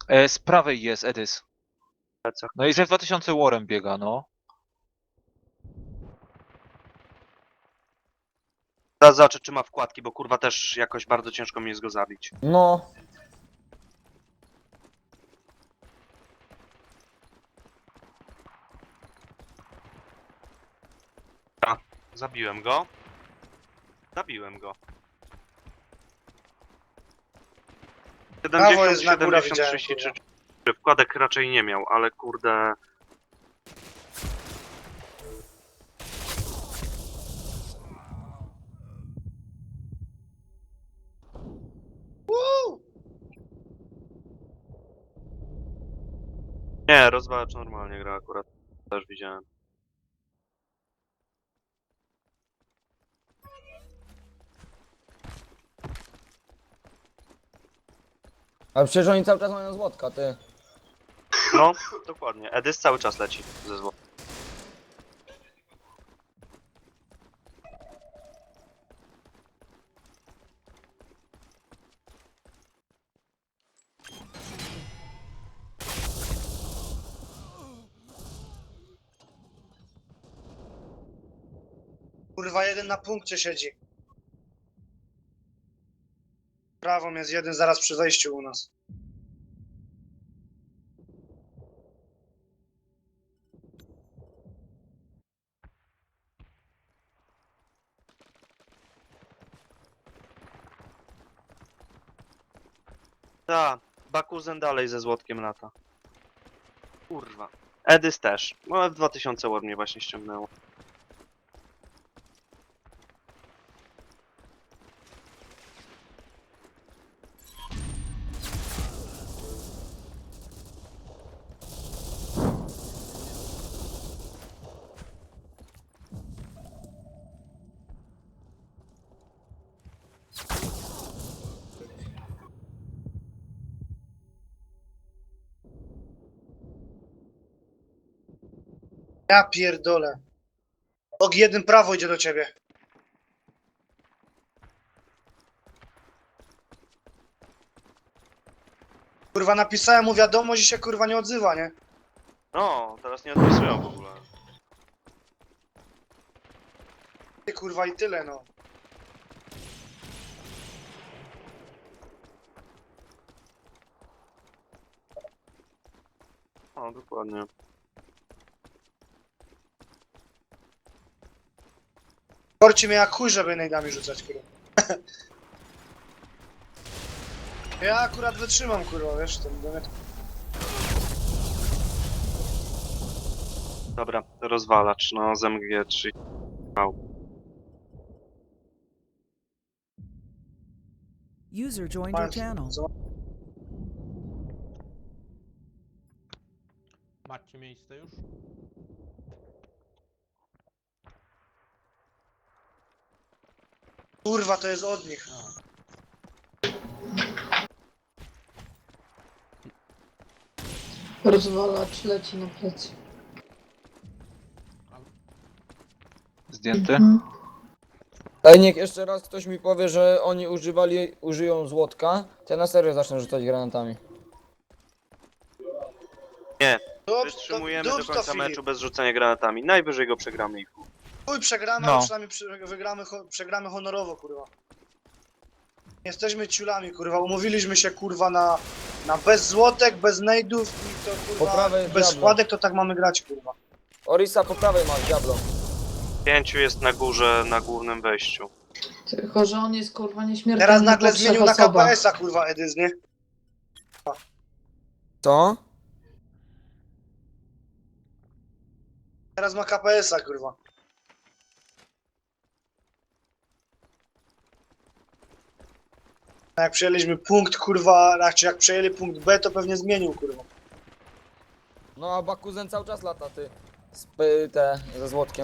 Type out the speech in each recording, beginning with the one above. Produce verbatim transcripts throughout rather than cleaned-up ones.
E, z prawej jest Edys. Lecę. No i że w dwa tysiące Warren biega, no. Zaraz zobaczę, czy ma wkładki, bo kurwa też jakoś bardzo ciężko mi jest go zabić. No. Zabiłem go. Zabiłem go. Prawo jest siedemdziesiąt, na górę, siedemdziesiąt, widziałem, trzydzieści trzy. Wkładek raczej nie miał, ale kurde... Woo! Nie, rozwalacz normalnie gra akurat. Też widziałem. Ale przecież oni cały czas mają złotka, ty. No, dokładnie. Edys cały czas leci ze zło. Kurwa, jeden na punkcie siedzi. Prawą jest jeden zaraz przy wejściu u nas. Ta, Bakuzen dalej ze złotkiem lata. Kurwa. Edys też. No, F dwa tysiące ładnie właśnie ściągnęło. Ja pierdolę. Og jeden prawo idzie do ciebie. Kurwa, napisałem mu wiadomość i się kurwa nie odzywa, nie? No, teraz nie odpisują w ogóle. Ty kurwa i tyle, no. No, dokładnie. Korci mnie jak chuj, żeby nejdami rzucać, kurwa. Ja akurat wytrzymam, kurwa, wiesz, ten domek. Dobra, rozwalacz, no z M G trzy. User joined your channel. Macie miejsce już? Kurwa, to jest od nich. Rozwalacz leci na plecy. Zdjęty. Ej, niech jeszcze raz ktoś mi powie, że oni używali, użyją złotka, to ja na serio zacznę rzucać granatami. Dup, Wytrzymujemy dup do to, końca Filip. meczu bez rzucania granatami. Najwyżej go przegramy i chuj. Chuj, przegramy, No. ale przynajmniej przy, wygramy, ho- przegramy honorowo, kurwa. Nie jesteśmy ciulami, kurwa. Umówiliśmy się, kurwa, na, na bez złotek, bez nejdów i to, kurwa, Po prawej bez diablo. składek, to tak mamy grać, kurwa. Orisa po prawej ma, diablo. Pięciu jest na górze, na głównym wejściu. Tylko, że on jest kurwa nieśmiertelny Teraz nagle po trzech zmienił na osobach. K P S-a, kurwa, Edys, nie? Co? Teraz ma K P S-a, kurwa. A jak przejęliśmy punkt, kurwa, znaczy jak przejęli punkt B, to pewnie zmienił, kurwa. No a Bakuzen cały czas lata, ty. Z p- te, ze złotkiem.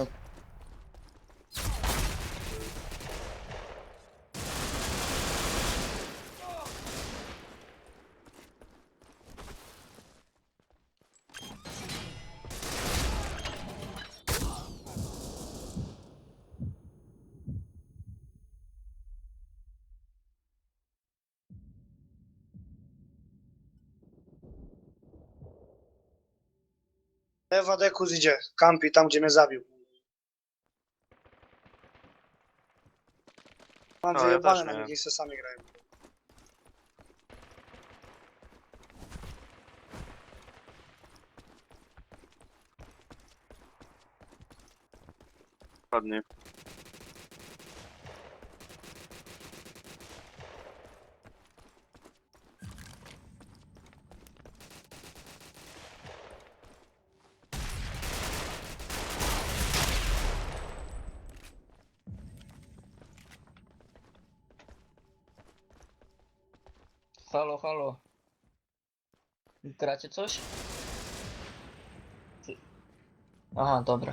Ewa Dekus idzie, kampi tam, gdzie mnie zabił. Mam No, ja wyjebane też na nie. nich, niech se sami grają. Ładnie. Halo, halo. Gracie coś? Czy- Aha, dobra.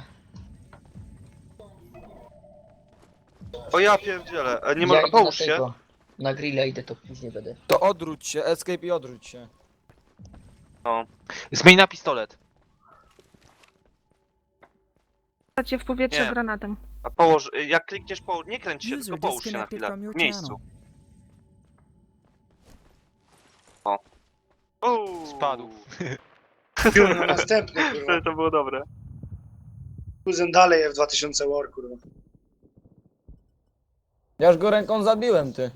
O ja pierdzielę, e, nie ja ma... idę Połóż na się. tego. Na grilla idę, to później będę. To odwróć się, escape i odwróć się. Zmień na pistolet. Cię w powietrze Nie. granatem. A położ, y, jak klikniesz połóż, nie kręć się, User tylko połóż się na disconnected chwilę. from your W miejscu. channel. Uuu. Spadł. Pił na następny, kurwa. To było dobre. Kuzyn dalej F dwa tysiące War, kurwa. Ja już go ręką zabiłem, ty.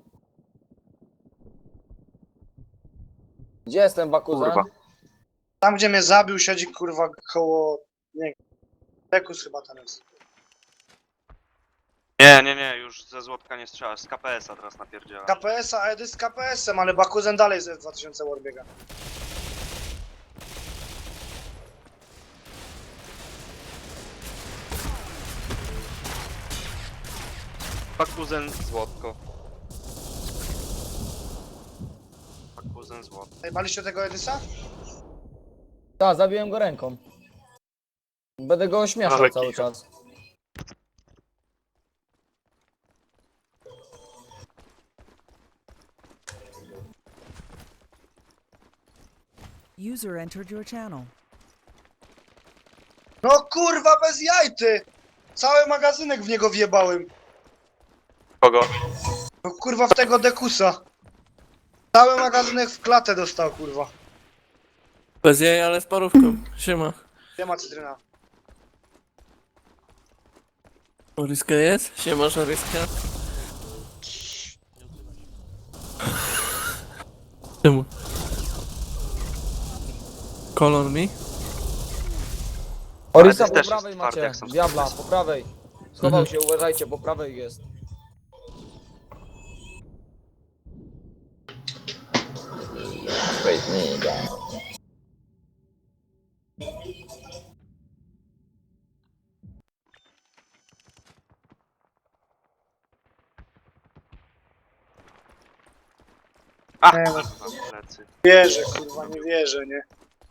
Gdzie jestem, Bakuzan? Kurwa. Tam, gdzie mnie zabił, siedzi, kurwa, koło... Nie Dekus chyba tam jest. Nie, nie, nie, już ze złotka nie strzelasz, z K P S a teraz napierdziela. K P S a, Edy z K P S em, ale Bakuzen dalej z F dwa tysiące War biega. Bakuzen złotko. Bakuzen złotko. Najbaliście tego Edysa? Tak, zabiłem go ręką. Będę go ośmieszał Ale cały kicha. czas. User entered your channel. No kurwa, bez jajty! Cały magazynek w niego wjebałem. Kogo? No kurwa, w tego Dekusa. Cały magazynek w klatę dostał, kurwa. Bez jaj, ale z parówką. Siema. Nie ma cytryna. Oryska jest? Siemasz Oryska? Czemu? Kolor mi? Orisa Edys po też prawej jest twardy, macie. jak są Diabla, sukcesy. po prawej. Schował Mhm. się, uważajcie, po prawej jest. A, Nie, no. kurwa, plecy. Wierzę, kurwa, nie wierzę, nie?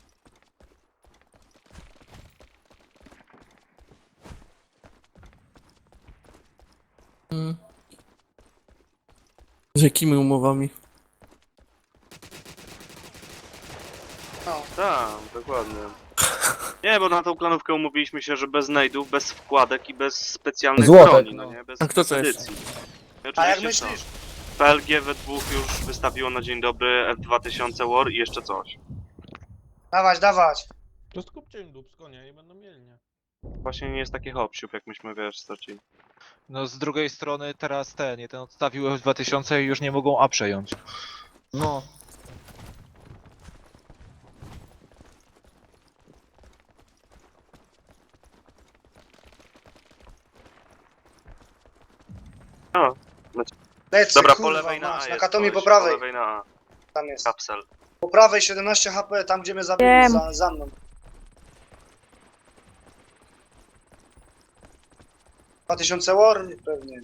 Mm. Z jakimi umowami? No. Tak, dokładnie. Nie, bo na tą planówkę umówiliśmy się, że bez znajdów, bez wkładek i bez specjalnych Złotek, broni, no no. nie? Bez A kto to jest? edycji. I A jak oczywiście myślisz? co? P L G we dwóch już wystawiło na dzień dobry F dwa tysiące War i jeszcze coś. Dawać, dawać. To skupcie im dupsko, nie? I będą mieli, nie? Właśnie nie jest taki hopsiup, jak myśmy, wiesz, stracili. No z drugiej strony teraz ten, jeden odstawił F dwa tysiące i już nie mogą A przejąć. No. Lecę, Dobra, kurwa, po lewej na A mać, jest. na Katomi po koleś, prawej. Po lewej na A. Tam jest. Kapsel. Po prawej siedemnaście H P, tam gdzie mnie zabili, Wiem. za, za mną. dwa tysiące War? Pewnie.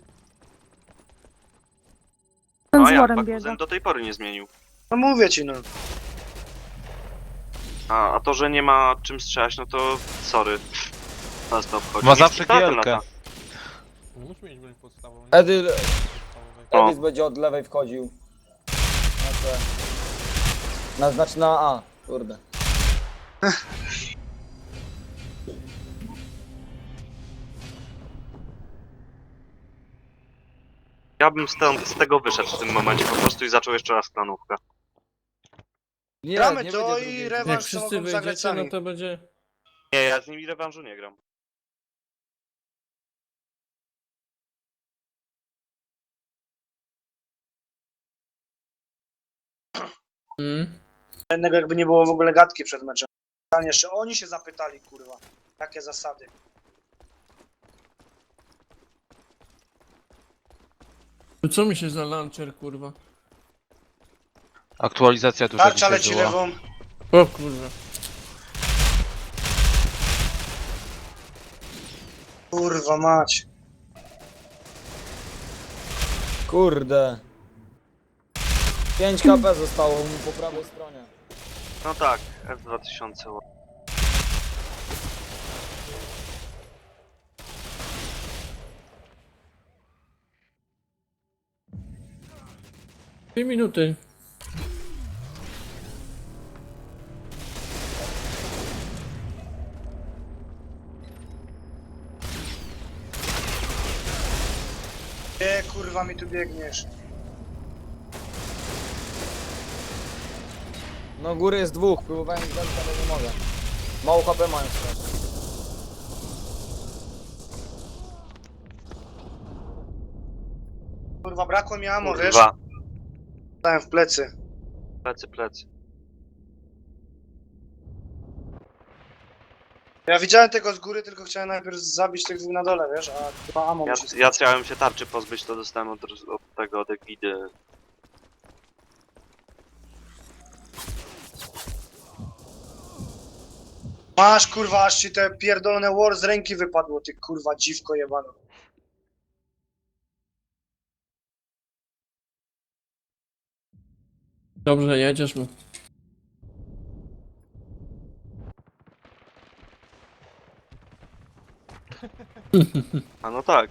Ten No z jak, worem biega. Bakuzen do tej pory nie zmienił. No mówię ci, no. A, a to, że nie ma czym strzelać, no to sorry. Nas to obchodzi. Ma Nic zawsze nie trafię na gielkę. to. Nie musi mieć broń podstawową. nie? Edy, Podstawowej. O. Edis będzie od lewej wchodził. Na te. Na, znaczy na A, kurde. Ja bym stąd, z tego wyszedł w tym momencie po prostu i zaczął jeszcze raz planówkę. Nie, Gramy nie to będzie i drugiej. rewanż Jak to wszyscy mogą zagrać wyjdziecie, no sami. to będzie... Nie, ja z nimi rewanżu nie gram. Mm. Jednego jakby nie było w ogóle gadki przed meczem. Pytanie, jeszcze oni się zapytali, kurwa. Jakie zasady. To co mi się za launcher, kurwa? Aktualizacja duża Tarcza dzisiaj leci była. lewą. O kurwa. Kurwa mać. Kurde. pięć K P zostało mu po prawej stronie. No tak, F dwa tysiące. Dwie minuty. Gdzie kurwa mi tu biegniesz? No góry jest dwóch, próbowałem zdać, ale nie mogę. Mało H P mają strasznie. Kurwa brakło mi ammo, wiesz? Kurwa, Dałem w plecy. plecy, plecy. Ja widziałem tego z góry, tylko chciałem najpierw zabić tych dwóch na dole, wiesz? A chyba ammo Ja, mi się ja chciałem się tarczy pozbyć, to dostałem od, od tego, od Egidy. Masz kurwa, aż ci te pierdolone war z ręki wypadło, ty kurwa dziwko jebano. Dobrze, jedziesz mu. A no tak.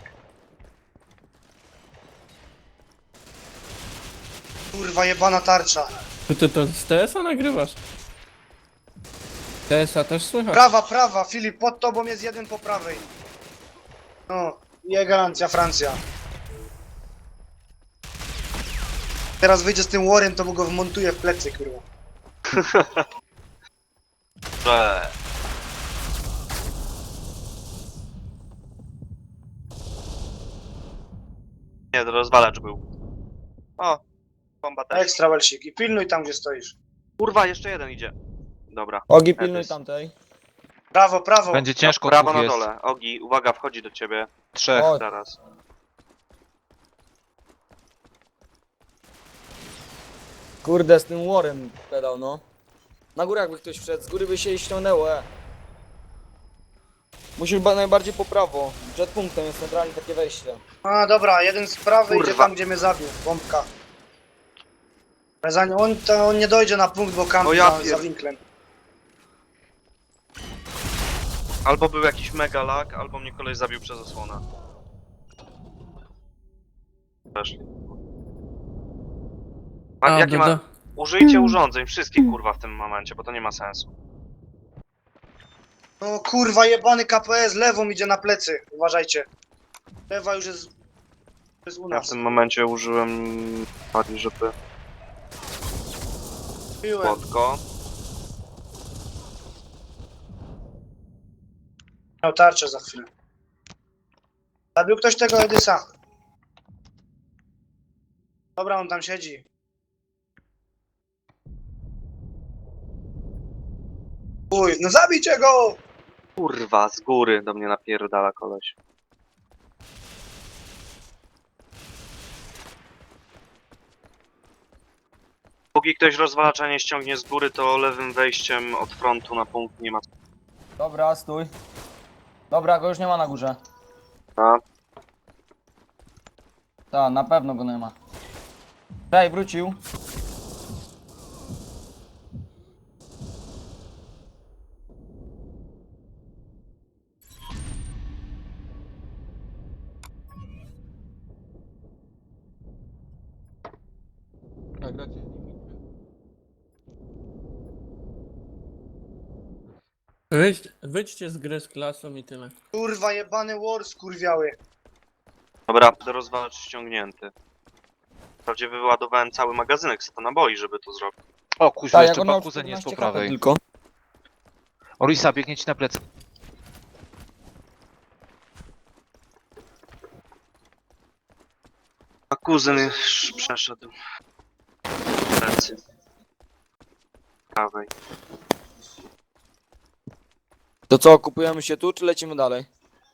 Kurwa jebana tarcza. To ty to z T S a nagrywasz? T S a też słychać? Prawa, prawa, Filip, pod tobą jest jeden po prawej. No, i elegancja, Francja. Teraz wyjdzie z tym warem, to mu go wmontuję w plecy, kurwa. Eee. Nie, to rozwalacz był. O, bomba też. Ekstra welsik. I pilnuj tam, gdzie stoisz. Kurwa, jeszcze jeden idzie. Dobra. Ogi, pilnuj Edys. tamtej. Prawo, prawo. Będzie ciężko, Prawo dwóch na jest. dole. Ogi, uwaga, wchodzi do ciebie. Trzech. O, Zaraz. kurde, z tym warem pedał, no. Na górę jakby ktoś wszedł, z góry by się jej ściągnęło, e. Musisz chyba najbardziej po prawo. Przed punktem jest centralnie takie wejście. A, dobra, jeden z prawej idzie Kurwa. tam, gdzie mnie zabił. Bombka. Ale zanim on, to on nie dojdzie na punkt, bo kampi O ja za, pier- za winklem. Albo był jakiś mega lag, albo mnie koleś zabił przez osłonę. Weszli. A, A, jakie doda. ma... Użyjcie urządzeń, wszystkich kurwa w tym momencie, bo to nie ma sensu. No kurwa, jebany K P S, lewą idzie na plecy. Uważajcie. Lewa już jest, jest u Ja w nas. tym momencie użyłem bardziej, żeby Piłem. płotko. Miał tarczę za chwilę. Zabił ktoś tego Edysa. Dobra, on tam siedzi. Uj, no zabijcie go! Kurwa, z góry do mnie napierdala koleś. Póki ktoś rozwalacza nie ściągnie z góry, to lewym wejściem od frontu na punkt nie ma. Dobra, stój. Dobra, go już nie ma na górze. A? Tak, na pewno go nie ma. Daj, wrócił. Wyjdź, wyjdźcie z gry z klasą i tyle. Kurwa, jebany war skurwiały. Dobra, rozwalacz ściągnięty. Wprawdzie wyładowałem cały magazynek z to naboi, żeby to zrobić. O kuźwa, Tak, jak jeszcze on miał Bakuzen jest po czternaście K P prawej. tylko. Orisa, biegnie ci na plecy. A kuzyn już przeszedł. Plecy. Prawej. To co, kupujemy się tu, czy lecimy dalej?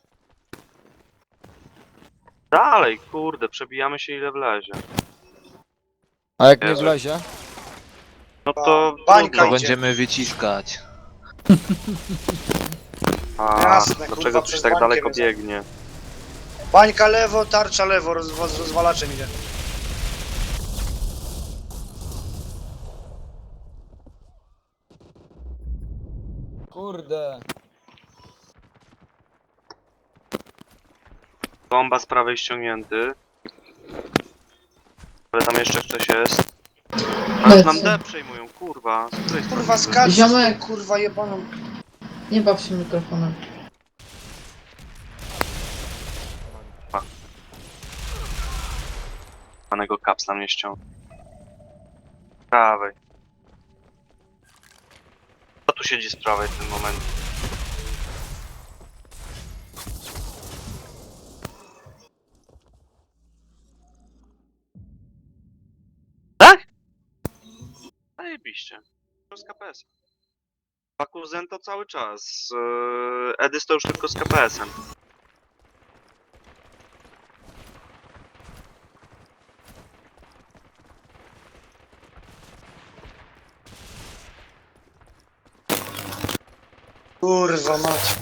Dalej, kurde, przebijamy się ile wlezie. A jak nie Jezu. wlezie? No to Bańka To trudno. idzie. będziemy wyciskać. A, Jasne, dlaczego kurwa, coś przez tak bańkę daleko mnie za- biegnie? Bańka lewo, tarcza lewo, rozwa z rozwalaczem idzie. Kurde. Bomba z prawej ściągnięty. Ale tam jeszcze ktoś jest. Ale nam D przejmują, kurwa. Z której strony? Kurwa, skacz, Ziomek. kurwa jebaną. Nie baw się mikrofonem. Panego kapsla mnie ściąga. Prawej. Kto tu siedzi z prawej w tym momencie? Tak? Zajebiście. To z K P S. Bakuzen to cały czas. Yy, Edys to już tylko z K P S-em. Kurwa mać.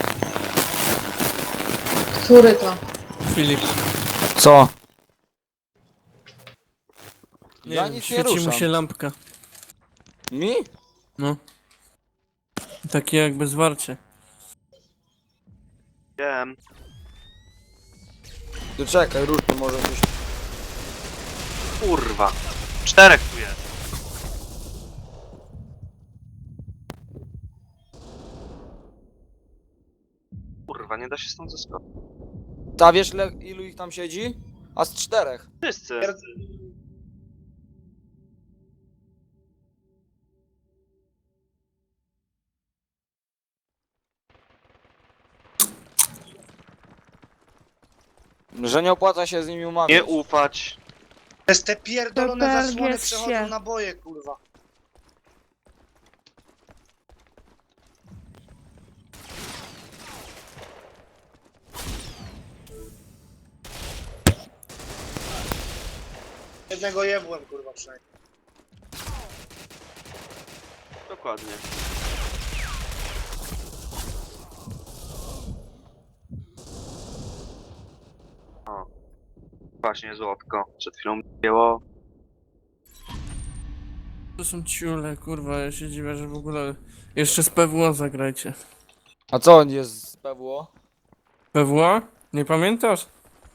Który to? Filip. Co? Nie Ja wiem, nic nie świeci mu ruszam. się lampka. Mi? No. Takie jakby zwarcie. Wiem. To czekaj, rusz to może coś. Kurwa. Czterech tu jest. Kurwa, nie da się stąd zeskoczyć. Ta wiesz le, ilu ich tam siedzi? A z czterech. Wszyscy. Że nie opłaca się z nimi umawiać. Nie ufać. Przez te pierdolone To zasłony Belgię przechodzą się. naboje, kurwa. Jednego jebłem, kurwa, przynajmniej. Dokładnie. O. Właśnie złotko. Przed chwilą było. To są ciule, kurwa, ja się dziwię, że w ogóle... Jeszcze z P W O zagrajcie. A co on jest z P W O? P W O? Nie pamiętasz?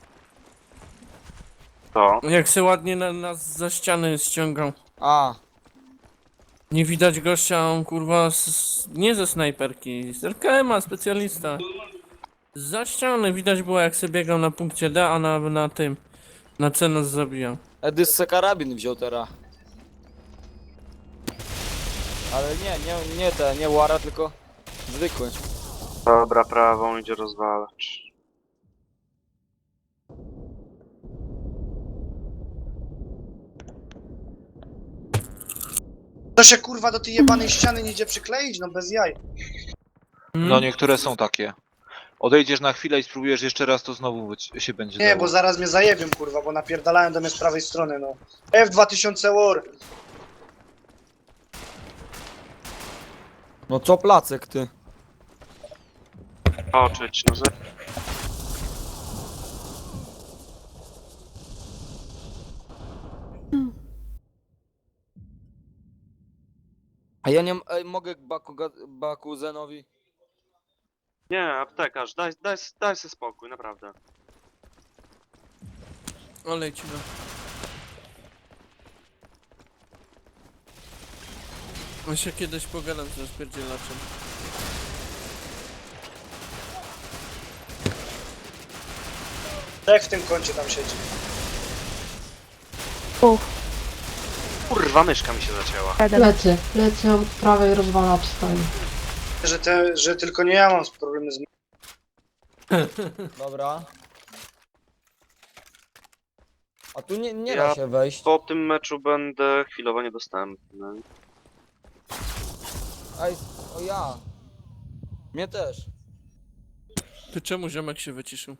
To. Jak se ładnie na, nas za ściany ściągał. A, Nie widać gościa, a on kurwa z, nie ze snajperki, z R K M-a, specjalista. Za ściany widać było jak sobie biegał na punkcie D, a na, na tym, na C nas zabijał. Edys se karabin wziął teraz. Ale nie, nie, nie te, nie Łara, tylko zwykły. Dobra, prawą idzie rozwalacz. To się, kurwa, do tej jebanej ściany nie idzie przykleić, no bez jaj. Hmm? No niektóre są takie. Odejdziesz na chwilę i spróbujesz jeszcze raz, to znowu być- się będzie Nie, dało. bo zaraz mnie zajebią, kurwa, bo napierdalają do mnie z prawej strony, no. F dwa tysiące War. No co placek ty? Oczyć, no ze... A ja nie m- ej, mogę Baku, Bakuzenowi? Nie, aptekarz, daj, daj, daj sobie spokój, naprawdę. Olej ci no. On się kiedyś pogadam z rozpierdzielaczem. Jak w tym kącie tam siedzi. Kurwa, myszka mi się zacięła. Jeden. Plecy. Plecy od prawej rozwalacz stoi. Że, te, że tylko nie ja mam problemy z... Dobra. A tu nie, nie Ja- da się wejść. Po tym meczu będę chwilowo niedostępny. Ej, o ja. Mnie też. Ty czemu ziomek się wyciszył?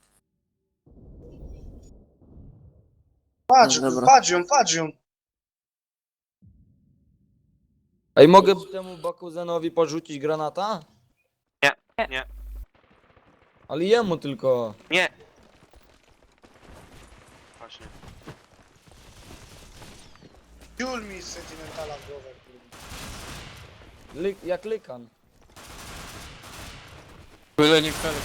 Patrz, No dobra. patrz ją, patrz ją. Ej, mogę temu Bakuzenowi porzucić granata? Nie, nie. Ale jemu tylko. Nie! Właśnie. Ciul mi z sentymentala w głowę, kurwa. Ly jak lykan. Byle nie felek.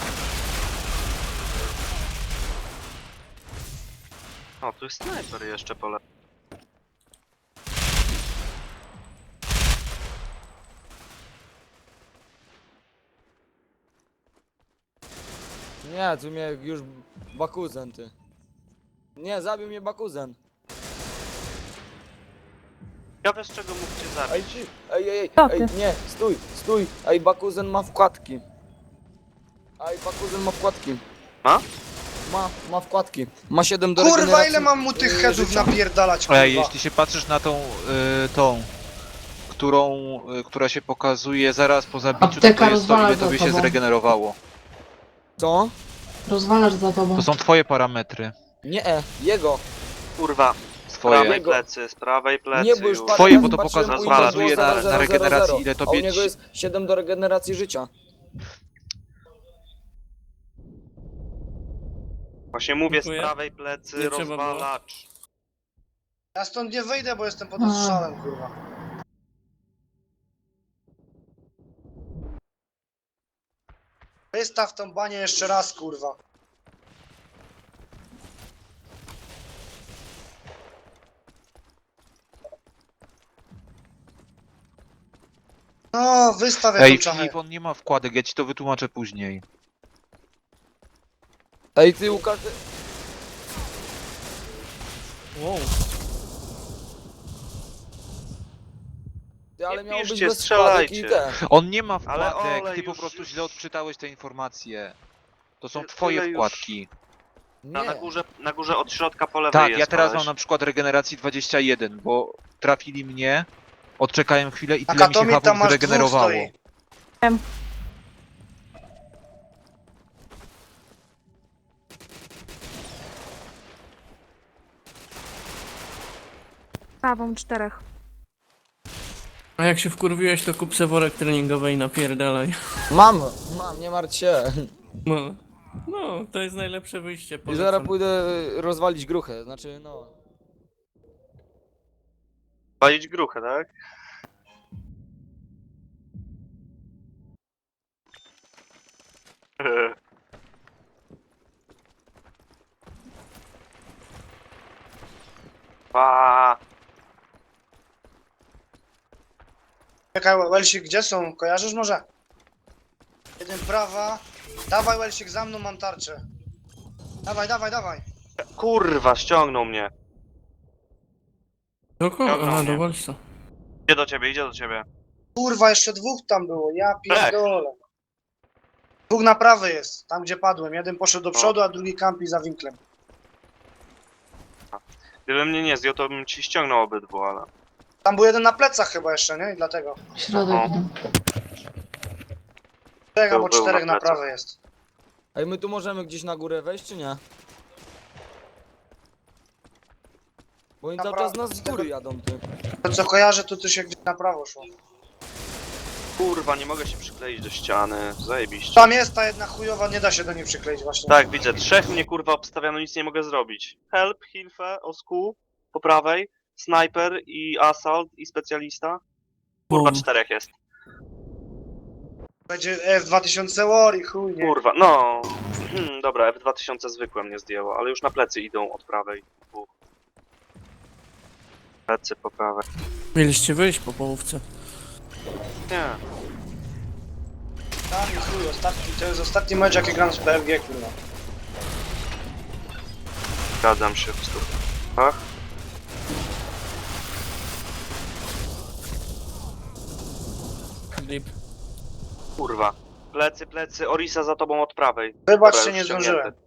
O, tu jest snajper jeszcze pole. Nie, tu mnie już Bakuzen, ty. Nie, zabił mnie Bakuzen. Ciekawe z czego mógł cię Ej, zabić. ty, ej, ej, ej, Co ej, ty? nie, stój, stój. Ej, Bakuzen ma wkładki. Ej, Bakuzen ma wkładki. Ma? Ma, ma wkładki. Ma siedem do Kurwa, regeneracji, ile mam mu tych yy, headów życia. napierdalać, kurwa. Ej, jeśli się patrzysz na tą, y, tą, którą, y, która się pokazuje zaraz po zabiciu, to, Apteka to jest to, rozwala ile za tobie się tobą. zregenerowało. Co? Rozwalasz za tobą. To są twoje parametry. Nie, e, jego. Kurwa, z Twoje. prawej Jego. plecy, z prawej plecy Nie, bo już już. parę Twoje, razy bo to patrzyłem, pokazuje- u niego pokazuje było na- zero, na zero, regeneracji, zero, ile a u tobie niego ci- jest siedem do regeneracji życia. Właśnie mówię, z Dziękuję. prawej plecy Nie trzeba było. rozwalacz. Ja stąd nie wyjdę, bo jestem pod A. ostrzałem, kurwa. Wystaw tą banię jeszcze raz, kurwa. No, wystaw Ej, jaką czachę. Filip, on nie ma wkładek, ja ci to wytłumaczę później. Ej, ty Łukasz... ty- Wow. Ty, ale Nie miał być piszcie, bez wkładek i strzelajcie. te. On nie ma Ale wkładek, olej ty po już- prostu źle odczytałeś te informacje. To są Tyle twoje już- wkładki. Na, na, Nie. górze, na górze od środka po lewej Tak, jest ja teraz koleś. mam na przykład regeneracji dwadzieścia jeden, bo trafili mnie, odczekałem chwilę i Na tyle mi się Katomie tam hapów masz zregenerowało. dwóch stoi. Prawą czterech. A jak się wkurwiłeś, to kup se worek treningowy i napierdalaj. Mam, mam, nie martw się. No. No, to jest najlepsze wyjście. I polecam. zaraz pójdę rozwalić gruchę, znaczy no... Palić gruchę, tak? Pa. Czekaj, Welsik, gdzie są? Kojarzysz może? Jeden prawa. Dawaj, Welsik, za mną mam tarczę. Dawaj, dawaj, dawaj. Kurwa, ściągnął mnie. Do kogo? Dobra, Aha, nie. do walca. Idzie do ciebie, idzie do ciebie. Kurwa, jeszcze dwóch tam było, ja pierdolę. Dwóch na prawej jest, tam gdzie padłem. Jeden poszedł do przodu, a drugi kampi za winklem. Gdybym mnie nie zdjął, to bym ci ściągnął obydwu, ale... Tam był jeden na plecach chyba jeszcze, nie? I dlatego. Środek O. idą. Czterech Był- albo był czterech na na plecach. prawej jest. Ej, my tu możemy gdzieś na górę wejść, czy nie? Bo oni cały Dobra, czas nas z góry jadą, ty. To co kojarzę, to tu się gdzieś na prawo szło. Kurwa, nie mogę się przykleić do ściany. Zajebiście. Tam jest ta jedna chujowa, nie da się do niej przykleić właśnie. Tak, widzę. Trzech mnie kurwa obstawia, no nic nie mogę zrobić. Help, Hilfe, Osku, po prawej, Sniper i Assault i specjalista. Kurwa, Bum. czterech jest. Będzie F dwa tysiące War i chuj, nie? Kurwa, no. Hmm, dobra, F dwa tysiące zwykłe mnie zdjęło, ale już na plecy idą od prawej. Dwóch. Plecy po prawej. Mieliście wyjść po połówce. Nie. Tam i chuj, ostatni, to jest ostatni mecz jaki gram z P F G, kurwa. Zgadzam się w stu. Ach. Lip. Kurwa. Plecy, plecy, Orisa za tobą od prawej. Wybacz, Dobra, się nie już zdążyłem. ściągnięty.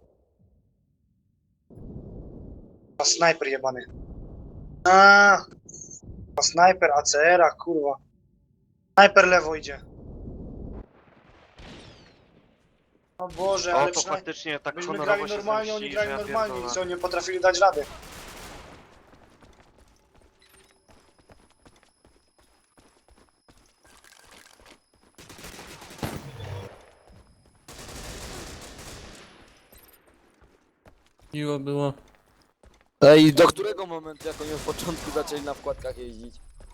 A snajper jebany. A, a snajper, A C R a, kurwa. Snajper lewo idzie. O Boże, O, ale to przynajmniej faktycznie tak byśmy honorowo grali się normalnie, oni zemścili, grali że ja normalnie i pierdolę. co, nie potrafili dać rady. Miło było. Ej, do którego momentu, jak oni od początku zaczęli na wkładkach jeździć?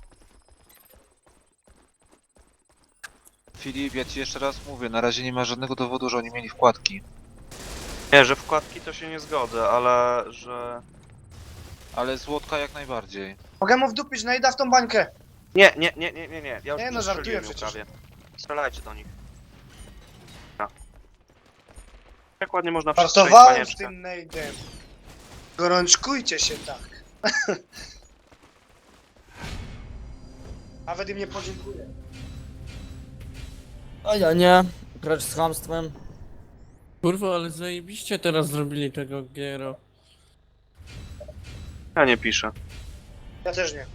Filip, ja ci jeszcze raz mówię, na razie nie ma żadnego dowodu, że oni mieli wkładki. Nie, że wkładki to się nie zgodzę, ale że... Ale złotka jak najbardziej. Mogę mu wdupić, najda w tą bańkę. Nie, nie, nie, nie, nie, nie. Ja już Nie, no, żartuję przestrzeliłem ją przecież. prawie. Strzelajcie do nich. No. Jak ładnie można przestrzelić Żartowałem z panieczkę. tym nade'em. Gorączkujcie się tak. Nawet im nie podziękuję. A ja nie. Grać z chamstwem. Kurwa, ale zajebiście teraz zrobili tego Giero. Ja nie piszę. Ja też nie.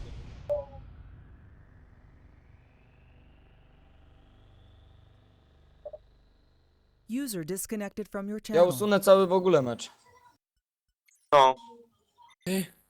User disconnected from your Ja channel. usunę cały w ogóle mecz. No. Ej,